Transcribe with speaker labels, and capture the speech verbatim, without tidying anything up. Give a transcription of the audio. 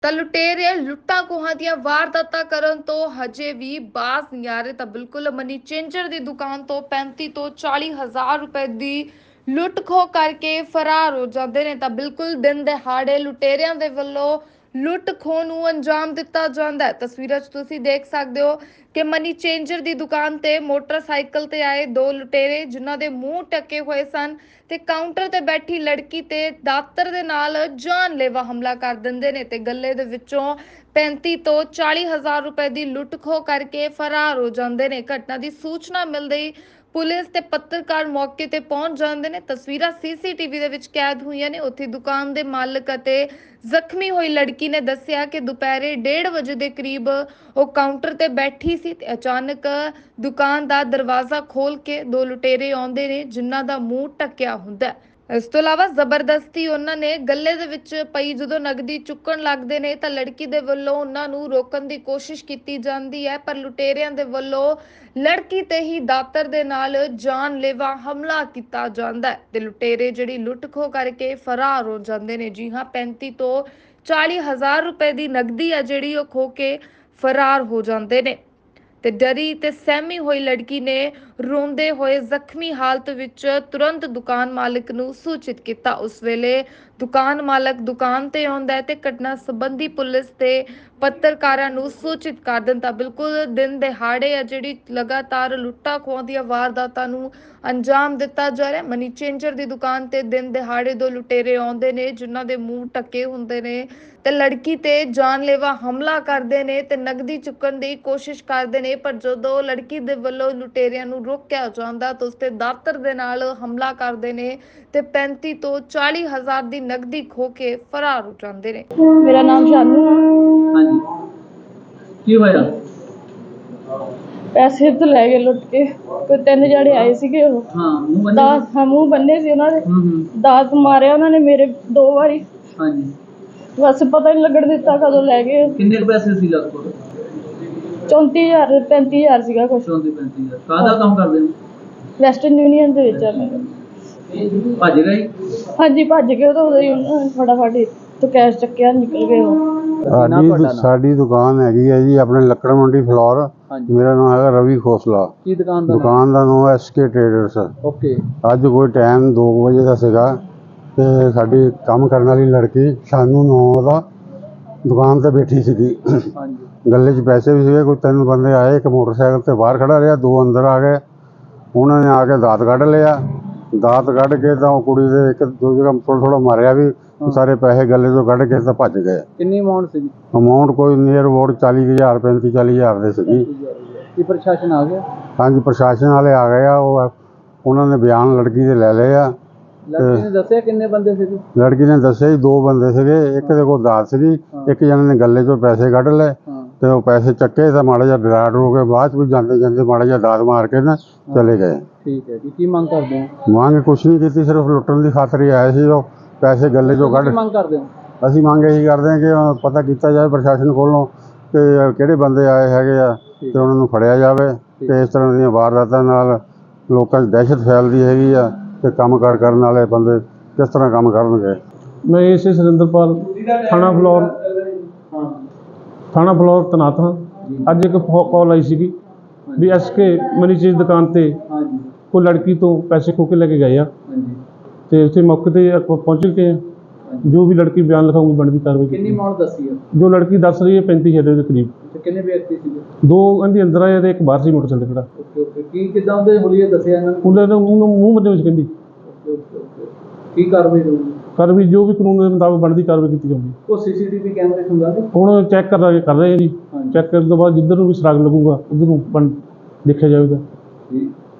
Speaker 1: ਤਾਂ ਲੁਟੇਰੇ ਲੁੱਟਾਂ ਖੋਹਾਂ ਦੀਆਂ ਵਾਰਦਾਤਾਂ ਕਰਨ ਤੋਂ ਹਜੇ ਵੀ ਬਾਜ਼ ਨਹੀਂ ਆ ਰਹੇ। ਤਾਂ ਬਿਲਕੁਲ ਮਨੀ ਚੇਂਜਰ ਦੀ ਦੁਕਾਨ ਤੋਂ ਪੈਂਤੀ ਤੋਂ ਚਾਲੀ ਹਜ਼ਾਰ ਰੁਪਏ ਦੀ ਲੁੱਟ ਖੋਹ ਕਰਕੇ ਫਰਾਰ ਹੋ ਜਾਂਦੇ ਨੇ। ਤਾਂ ਬਿਲਕੁਲ ਦਿਨ ਦਿਹਾੜੇ ਲੁਟੇਰਿਆਂ ਦੇ ਵੱਲੋਂ ਲੁੱਟ ਖੋਹ ਨੂੰ ਅੰਜਾਮ ਦਿੱਤਾ ਜਾਂਦਾ ਹੈ। ਤਸਵੀਰਾਂ 'ਚ ਤੁਸੀਂ ਦੇਖ ਸਕਦੇ ਹੋ ਕਿ ਮਨੀ ਚੇਂਜਰ ਦੀ ਦੁਕਾਨ ਤੇ ਮੋਟਰਸਾਈਕਲ ਤੇ ਆਏ ਦੋ ਲੁਟੇਰੇ, ਜਿਨ੍ਹਾਂ ਦੇ ਮੂੰਹ ਢੱਕੇ ਹੋਏ ਸਨ ਤੇ ਕਾਊਂਟਰ ਤੇ ਬੈਠੀ ਲੜਕੀ ਤੇ ਦਾਤਰ ਦੇ ਨਾਲ ਜਾਨਲੇਵਾ ਹਮਲਾ ਕਰ ਦਿੰਦੇ ਨੇ ਤੇ ਗੱਲੇ ਦੇ ਵਿੱਚੋਂ ਪੈਂਤੀ ਤੋਂ ਚਾਲੀ ਹਜ਼ਾਰ ਰੁਪਏ ਦੀ ਲੁੱਟ ਖੋਹ ਕਰਕੇ ਫਰਾਰ ਹੋ ਜਾਂਦੇ ਨੇ। ਘਟਨਾ ਦੀ ਸੂਚਨਾ ਮਿਲਦੇ ਹੀ ਪੁਲਿਸ ਤੇ ਪੱਤਰਕਾਰ ਮੌਕੇ ਤੇ ਪਹੁੰਚ ਜਾਂਦੇ ਨੇ। ਤਸਵੀਰਾਂ ਸੀਸੀਟੀਵੀ ਦੇ ਵਿੱਚ ਕੈਦ ਹੋਈਆਂ ਨੇ। ਉੱਥੇ ਦੁਕਾਨ ਦੇ ਮਾਲਕ ਅਤੇ ਜ਼ਖਮੀ ਹੋਈ ਲੜਕੀ ਨੇ ਦੱਸਿਆ ਕਿ ਦੁਪਹਿਰੇ ਡੇਢ ਵਜੇ ਦੇ ਕਰੀਬ ਉਹ ਕਾਊਂਟਰ ਤੇ ਬੈਠੀ ਸੀ ਤੇ ਅਚਾਨਕ ਦੁਕਾਨ ਦਾ ਦਰਵਾਜ਼ਾ ਖੋਲ ਕੇ ਦੋ ਲੁਟੇਰੇ ਆਉਂਦੇ ਨੇ, ਜਿਨ੍ਹਾਂ ਦਾ ਮੂੰਹ ਢੱਕਿਆ ਹੁੰਦਾ ਹੈ। ਇਸ ਤੋਂ ਇਲਾਵਾ ਜ਼ਬਰਦਸਤੀ ਉਹਨਾਂ ਨੇ ਗੱਲੇ ਦੇ ਵਿੱਚ ਪਈ ਜਦੋਂ ਨਗਦੀ ਚੁੱਕਣ ਲੱਗਦੇ ਨੇ ਤਾਂ ਲੜਕੀ ਦੇ ਵੱਲੋਂ ਉਹਨਾਂ ਨੂੰ ਰੋਕਣ ਦੀ ਕੋਸ਼ਿਸ਼ ਕੀਤੀ ਜਾਂਦੀ ਹੈ, ਪਰ ਲੁਟੇਰਿਆਂ ਦੇ ਵੱਲੋਂ ਲੜਕੀ ਤੇ ਹੀ ਦਾਤਰ ਦੇ ਨਾਲ ਜਾਨਲੇਵਾ ਹਮਲਾ ਕੀਤਾ ਜਾਂਦਾ ਹੈ ਤੇ ਲੁਟੇਰੇ ਜਿਹੜੀ ਲੁੱਟ ਖੋਹ ਕਰਕੇ ਫਰਾਰ ਹੋ ਜਾਂਦੇ ਨੇ। ਜੀ ਹਾਂ, ਪੈਂਤੀ ਤੋਂ ਚਾਲੀ ਹਜ਼ਾਰ ਰੁਪਏ ਦੀ ਨਗਦੀ ਆ ਜਿਹੜੀ ਉਹ ਖੋ ਕੇ ਫਰਾਰ ਹੋ ਜਾਂਦੇ ਨੇ ਤੇ ਡਰੀ ਤੇ ਸਹਿਮੀ ਹੋਈ ਲੜਕੀ ਨੇ ਰੋਂਦੇ ਹੋਏ ਜ਼ਖਮੀ ਹਾਲਤ ਵਿੱਚ ਤੁਰੰਤ ਦੁਕਾਨ ਮਾਲਕ ਨੂੰ ਸੂਚਿਤ ਕੀਤਾ। ਉਸ ਵੇਲੇ ਦੁਕਾਨ ਮਾਲਕ ਦੁਕਾਨ ਤੇ ਆਉਂਦਾ ਹੈ ਤੇ ਘਟਨਾ ਸੰਬੰਧੀ ਪੁਲਿਸ ਤੇ ਪੱਤਰਕਾਰਾਂ ਨੂੰ ਸੂਚਿਤ ਕਰ ਦਿੰਦਾ। ਬਿਲਕੁਲ ਦਿਨ ਦਿਹਾੜੇ ਆ ਜਿਹੜੀ ਲਗਾਤਾਰ ਲੁੱਟਾਂ ਖੋਹਾਂ ਦੀਆਂ ਵਾਰਦਾਤਾਂ ਨੂੰ ਅੰਜਾਮ ਦਿੱਤਾ ਜਾ ਰਿਹਾ। ਮਨੀ ਚੇਂਜਰ ਦੀ ਦੁਕਾਨ ਤੇ ਦਿਨ ਦਿਹਾੜੇ ਦੋ ਲੁਟੇਰੇ ਆਉਂਦੇ ਨੇ, ਜਿਨ੍ਹਾਂ ਦੇ ਮੂੰਹ ਢੱਕੇ ਹੁੰਦੇ ਨੇ ਤੇ ਲੜਕੀ ਤੇ ਜਾਨਲੇਵਾ ਹਮਲਾ ਕਰਦੇ ਨੇ ਤੇ ਨਗਦੀ ਚੁੱਕਣ ਦੀ ਕੋਸ਼ਿਸ਼ ਕਰਦੇ ਨੇ, ਪਰ ਜਦੋਂ ਲੜਕੀ ਦੇ ਵੱਲੋਂ ਲੁਟੇਰਿਆਂ ਨੂੰ ਰੋਕਿਆ ਜਾਂਦਾ ਤਾਂ ਉਸ ਤੇ ਦਾਤਰ ਦੇ ਨਾਲ ਹਮਲਾ ਕਰਦੇ ਨੇ ਤੇ ਪੈਂਤੀ ਤੋਂ ਚਾਲੀ ਹਜ਼ਾਰ ਦੀ ਨਗਦੀ ਖੋ ਕੇ ਫਰਾਰ ਹੋ ਜਾਂਦੇ ਨੇ।
Speaker 2: ਮੇਰਾ ਨਾਮ ਸ਼ਾਨੂ ਆ।
Speaker 3: ਹਾਂਜੀ, ਕੀ ਹੋਇਆ?
Speaker 2: ਪੈਸੇ ਤਾਂ ਲੈ ਗਏ ਲੁੱਟ ਕੇ। ਕੋਈ ਤਿੰਨ ਜਣੇ ਆਏ ਸੀਗੇ, ਉਹ
Speaker 3: ਹਾਂ ਮੂੰਹ ਬੰਨੇ
Speaker 2: ਦਾਤ ਹਾਂ ਮੂੰਹ ਬੰਨੇ ਸੀ ਉਹਨਾਂ ਦੇ।
Speaker 3: ਹੂੰ ਹੂੰ
Speaker 2: ਦਾਤ ਮਾਰਿਆ ਉਹਨਾਂ ਨੇ ਮੇਰੇ ਦੋ ਵਾਰੀ।
Speaker 3: ਹਾਂਜੀ,
Speaker 2: ਬਸ ਪਤਾ ਨਹੀਂ ਲੱਗਣ ਦਿੱਤਾ ਕਦੋਂ ਲੈ ਗਏ।
Speaker 3: ਕਿੰਨੇ ਕੁ ਪੈਸੇ ਸੀ ਲੱਗ ਕੋਲ?
Speaker 2: ਚੌਂਤੀ ਹਜ਼ਾਰ ਪੈਂਤੀ ਹਜ਼ਾਰ ਸੀਗਾ ਕੁਛ।
Speaker 3: ਚੌਂਤੀ ਪੈਂਤੀ ਹਜ਼ਾਰ। ਕਾਹਦਾ ਕੰਮ ਕਰਦੇ ਹੋ?
Speaker 2: ਵੈਸਟਰਨ ਯੂਨੀਅਨ ਦੇ ਵਿੱਚ ਆ ਮੈਂ।
Speaker 3: ਭੱਜ ਗਏ?
Speaker 2: ਹਾਂਜੀ ਭੱਜ ਗਏ। ਉਹ ਤਾਂ ਉਦੋਂ ਹੀ ਉਹਨਾਂ ਨੇ ਫਟਾਫਟ ਤੋਂ ਕੈਸ਼ ਚੱਕਿਆ, ਨਿਕਲ ਗਏ ਉਹ।
Speaker 4: ਸਾਡੀ ਸਾਡੀ ਦੁਕਾਨ ਹੈਗੀ ਹੈ ਜੀ ਆਪਣੇ ਲੱਕੜ ਮੰਡੀ ਫਲੋਰ। ਮੇਰਾ ਨਾਮ ਹੈਗਾ ਰਵੀ ਖੋਸਲਾ।
Speaker 3: ਕੀ ਦੁਕਾਨ ਦਾ?
Speaker 4: ਦੁਕਾਨ ਦਾ ਨਾਮ ਐਸ ਕੇ ਟ੍ਰੇਡਰਸ।
Speaker 3: ਓਕੇ।
Speaker 4: ਅੱਜ ਕੋਈ ਟਾਈਮ ਦੋ ਵਜੇ ਦਾ ਸੀਗਾ ਤੇ ਸਾਡੀ ਕੰਮ ਕਰਨ ਵਾਲੀ ਲੜਕੀ ਸ਼ਾਨੂ ਨਾਮ ਦਾ ਦੁਕਾਨ ਤੇ ਬੈਠੀ ਸੀਗੀ।
Speaker 3: ਹਾਂਜੀ।
Speaker 4: ਗੱਲੇ 'ਚ ਪੈਸੇ ਵੀ ਸੀਗੇ। ਕੋਈ ਤਿੰਨ ਬੰਦੇ ਆਏ, ਇੱਕ ਮੋਟਰਸਾਈਕਲ ਤੇ ਬਾਹਰ ਖੜਾ ਰਿਹਾ, ਦੋ ਅੰਦਰ ਆ ਗਏ। ਉਹਨਾਂ ਨੇ ਆ ਕੇ ਦਾਤ ਕੱਢ ਲਿਆ। ਦਾਤ ਕੱਢ ਕੇ ਤਾਂ ਉਹ ਕੁੜੀ ਦੇ ਇੱਕ ਦੋ ਜਗ੍ਹਾ ਥੋੜ੍ਹਾ ਥੋੜ੍ਹਾ ਮਾਰਿਆ ਵੀ। ਸਾਰੇ ਪੈਸੇ ਗੱਲੇ ਤੋਂ ਕੱਢ ਕੇ ਤਾਂ ਭੱਜ ਗਏ।
Speaker 3: ਕਿੰਨੀ ਅਮਾਉਂਟ ਸੀ?
Speaker 4: ਅਮਾਊਂਟ ਕੋਈ ਨੀਅਰ ਅਬਾਊਟ ਚਾਲੀ ਹਜ਼ਾਰ ਪੈਂਤੀ ਚਾਲੀ ਹਜ਼ਾਰ ਦੇ ਸੀਗੀ।
Speaker 3: ਕੀ ਪ੍ਰਸ਼ਾਸਨ ਆ ਗਿਆ?
Speaker 4: ਹਾਂਜੀ, ਪ੍ਰਸ਼ਾਸਨ ਵਾਲੇ ਆ ਗਏ ਆ। ਉਹ ਉਹਨਾਂ ਨੇ ਬਿਆਨ ਲੜਕੀ ਦੇ ਲੈ ਲਏ ਆ।
Speaker 3: ਲੜਕੀ ਨੇ ਦੱਸਿਆ ਕਿੰਨੇ ਬੰਦੇ ਸੀਗੇ?
Speaker 4: ਲੜਕੀ ਨੇ ਦੱਸਿਆ ਜੀ ਦੋ ਬੰਦੇ ਸੀਗੇ। ਇੱਕ ਦੇ ਕੋਲ ਦਾਤ ਸੀਗੀ, ਇੱਕ ਜਣੇ ਨੇ ਗੱਲੇ 'ਚੋਂ ਪੈਸੇ ਕੱਢ ਲਏ ਤੇ ਉਹ ਪੈਸੇ ਚੱਕੇ ਤਾਂ ਮਾੜਾ ਜਿਹਾ ਡਰਾ ਡਰੂ ਕੇ ਬਾਅਦ 'ਚ ਵੀ ਜਾਂਦੇ ਜਾਂਦੇ ਮਾੜਾ ਜਿਹਾ ਦਾਤ ਮਾਰ ਕੇ ਨਾ ਚਲੇ ਗਏ।
Speaker 3: ਠੀਕ ਹੈ ਜੀ। ਕੀ ਮੰਗ ਕਰਦੇ ਹੋ?
Speaker 4: ਮੰਗ ਕੁਛ ਨਹੀਂ ਕੀਤੀ, ਸਿਰਫ ਲੁੱਟਣ ਦੀ ਖਾਤਰ ਹੀ ਆਏ ਸੀ। ਉਹ ਪੈਸੇ ਗੱਲੇ 'ਚੋਂ ਕੱਢ।
Speaker 3: ਕੀ ਮੰਗ ਕਰਦੇ ਹੋ?
Speaker 4: ਅਸੀਂ ਮੰਗ ਇਹੀ ਕਰਦੇ ਹਾਂ ਕਿ ਪਤਾ ਕੀਤਾ ਜਾਵੇ ਪ੍ਰਸ਼ਾਸਨ ਕੋਲੋਂ ਕਿ ਕਿਹੜੇ ਬੰਦੇ ਆਏ ਹੈਗੇ ਆ ਤੇ ਉਹਨਾਂ ਨੂੰ ਫੜਿਆ ਜਾਵੇ। ਤੇ ਇਸ ਤਰ੍ਹਾਂ ਦੀਆਂ ਵਾਰਦਾਤਾਂ ਨਾਲ ਲੋਕਾਂ 'ਚ ਦਹਿਸ਼ਤ ਫੈਲਦੀ ਹੈਗੀ ਆ ਤੇ ਕੰਮ ਕਾਰ ਕਰਨ ਵਾਲੇ ਬੰਦੇ ਕਿਸ ਤਰ੍ਹਾਂ ਕੰਮ ਕਰਨਗੇ।
Speaker 5: ਮੈਂ ਇਸ ਸੁਰਿੰਦਰਪਾਲ ਥਾਣਾ ਫਲੋਰ ਥਾਣਾ ਫਲੋਰ ਤੈਨਾਤ ਹਾਂ। ਅੱਜ ਇੱਕ ਕਾਲ ਆਈ ਸੀਗੀ ਵੀ ਐਸ ਕੇ ਮਨੀ ਚੀਜ਼ ਦੁਕਾਨ 'ਤੇ ਕੋਈ ਲੜਕੀ ਤੋਂ ਪੈਸੇ ਖੋਹ ਕੇ ਲੈ ਕੇ ਗਏ ਆ ਤੇ ਉੱਥੇ ਮੌਕੇ 'ਤੇ ਪਹੁੰਚ ਕੇ ਜੋ ਵੀ ਲੜਕੀ ਬਿਆਨ ਲਿਖਾਊਗੀ ਬਣਦੀ ਕਾਰਵਾਈ।
Speaker 3: ਕਿੰਨੀ ਅਮਾਉਂਟ ਦੱਸੀ ਹੈ?
Speaker 5: ਜੋ ਲੜਕੀ ਦੱਸ ਰਹੀ ਹੈ ਪੈਂਤੀ ਹਜ਼ਾਰ ਦੇ ਕਰੀਬ।
Speaker 3: ਕਿੰਨੇ ਵਿਅਕਤੀ ਸੀਗੇ?
Speaker 5: ਦੋ ਇਹਦੇ ਅੰਦਰ ਆਏ ਤੇ ਇੱਕ ਬਾਹਰ ਸੀ ਮੋਟਰਸਾਈਕਲ ਖੜਾ।
Speaker 3: Okay okay. ਕੀ ਕਿੱਦਾਂ ਉਹਦੇ ਹੁਲੀਏ ਦੱਸਿਆ ਇਹਨਾਂ ਨੇ?
Speaker 5: ਉਹਨੇ ਉਹਨੂੰ ਮੂੰਹ ਬੰਦੇ ਵਿੱਚ ਕਹਿੰਦੀ।
Speaker 3: Okay okay okay. ਕੀ ਕਾਰਵਾਈ ਹੋਊਗੀ?
Speaker 5: ਕਾਰਵਾਈ ਜੋ ਵੀ ਕਾਨੂੰਨ ਦੇ ਮੁਤਾਬਕ ਬਣਦੀ ਕਾਰਵਾਈ ਕੀਤੀ ਜਾਊਗੀ।
Speaker 3: ਉਹ ਸੀਸੀਟੀਵੀ ਕੈਮਰੇ ਹੁੰਦਾ ਨੇ
Speaker 5: ਹੁਣ ਚੈੱਕ ਕਰ ਰਹੇ ਕਰ ਰਹੇ ਹਾਂ ਜੀ। ਚੈੱਕ ਕਰਨ ਤੋਂ ਬਾਅਦ ਜਿੱਧਰ ਨੂੰ ਵੀ ਸੁਰਾਗ ਲੱਗੂਗਾ ਉੱਧਰ ਨੂੰ ਬਣ ਦੇਖਿਆ ਜਾਵੇਗਾ।
Speaker 3: ਠੀਕ।